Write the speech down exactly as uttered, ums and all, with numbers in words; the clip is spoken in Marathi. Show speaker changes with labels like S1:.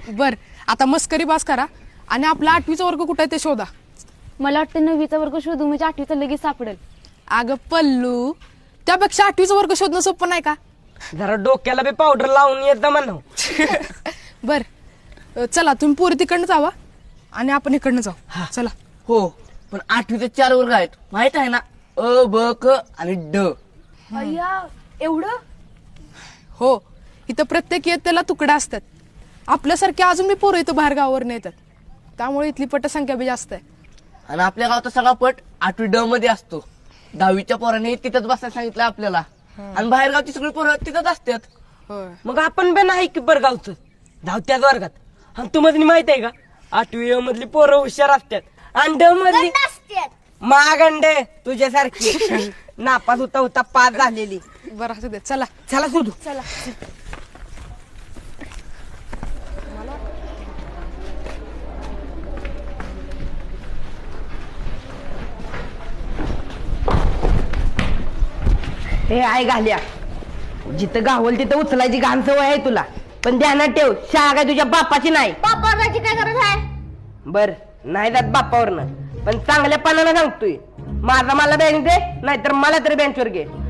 S1: बर आता मस्करी बास करा आणि आपला आठवीचा वर्ग कुठे आहे ते शोधा.
S2: मला वाटतं नववीचा वर्ग शोधू म्हणजे आठवीचा लगेच सापडेल.
S1: अगं पल्लू, त्यापेक्षा आठवीचा वर्ग शोधणं सोपं नाही का?
S3: जरा डोक्याला बी पावडर लावून येत म्हणा.
S1: बर चला तुम्ही पोरी तिकडनं जावा आणि आपण इकडनं जाऊ. चला.
S4: हो पण आठवीचे चार वर्ग आहेत माहित आहे ना, अ ब क आणि ड.
S2: अय्या एवढं?
S1: हो इथं प्रत्येक इयत्तेला तुकडा असतात. आपल्यासारखे अजून मी पोरं इथं बाहेर गावावर येतात, त्यामुळे इथली पटसंख्या बी जास्त आहे.
S4: आणि आपल्या गावचा सगळा पट आठवी ड मध्ये असतो. दहावीच्या पोराने तिथंच बसायला सांगितलं आपल्याला, आणि बाहेर गावची सगळी पोरं तिथंच असतात.
S1: होय.
S3: मग आपण पण नाही की बरं गावचं जाऊ त्याच वर्गात. आणि तुम्हाला माहित आहे का, आठवी अ मधली पोरं हुशार असतात आणि ड मधली मागंडे तुझ्यासारखी नापास होता होता पास झालेली.
S1: बरं असू दे चला.
S3: चला शोधू.
S2: चला.
S3: हे आहे घाल्या, जिथं गावल तिथं उचलायची घाण सवय आहे तुला, पण ध्यानात ठेव शाळा काय तुझ्या बापाची नाही.
S2: बापाची काय गरज आहे?
S3: बर नाही जात बापावरनं, पण चांगल्या पानानं सांगतोय, माझा मला बँक दे नाहीतर मला तरी बेंचवर घे.